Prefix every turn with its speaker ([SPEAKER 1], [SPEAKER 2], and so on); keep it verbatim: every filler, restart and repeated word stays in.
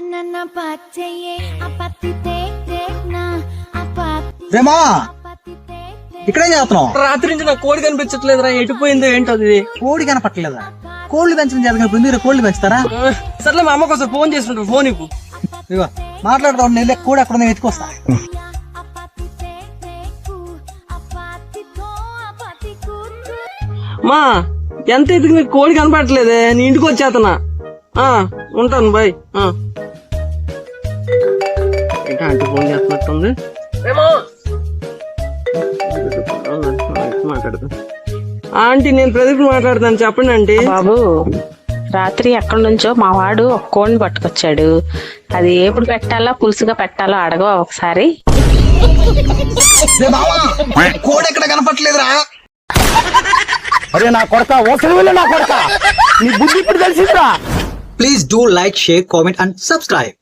[SPEAKER 1] రేమా ఇక్కడేం చేస్తున్నావు?
[SPEAKER 2] రాత్రి నుంచి నాకు కోడి కనిపించట్లేదురా, ఎటుపోయిందో ఏంటో అది.
[SPEAKER 1] కోడి కనపట్టలేదా? కోళ్ళు పెంచడం చేత మీరు కోళ్ళు పెంచుతారా?
[SPEAKER 2] సర్లే మా అమ్మకి ఒకసారి ఫోన్ చేస్తుంటారు, ఫోన్ ఇవ్వు.
[SPEAKER 1] ఇగో మాట్లాడుతూ నెల్లి కోడి అక్కడ వెతుకొస్తా.
[SPEAKER 2] మా ఎంత ఎదుగు నీకు కోడి కనపడట్లేదే, నీ ఇంటికి వచ్చేతనా. ఆ ఉంటాను బాయ్. ఇంకా ఆంటీ ఫోన్ చేస్తున్నట్టుంది. మాట్లాడతా ఆంటీ, నేను ప్రదీప్ మాట్లాడతాను, చెప్పండి ఆంటీ.
[SPEAKER 3] బాబు, రాత్రి ఎక్కడి నుంచో మా వాడు ఒక కోడిని పట్టుకొచ్చాడు. అది ఎప్పుడు పెట్టాలో పులుసుగా పెట్టాలో అడగవా ఒకసారి?
[SPEAKER 1] కోడి ఎక్కడ కనపట్లేదురా?
[SPEAKER 4] అరే నా కొడక, ఓసలి వెళ్ళి నా కొడక, నీ బుద్ధి ఇప్పుడు తెలిసిందిరా.
[SPEAKER 1] Please do like, share, comment and subscribe.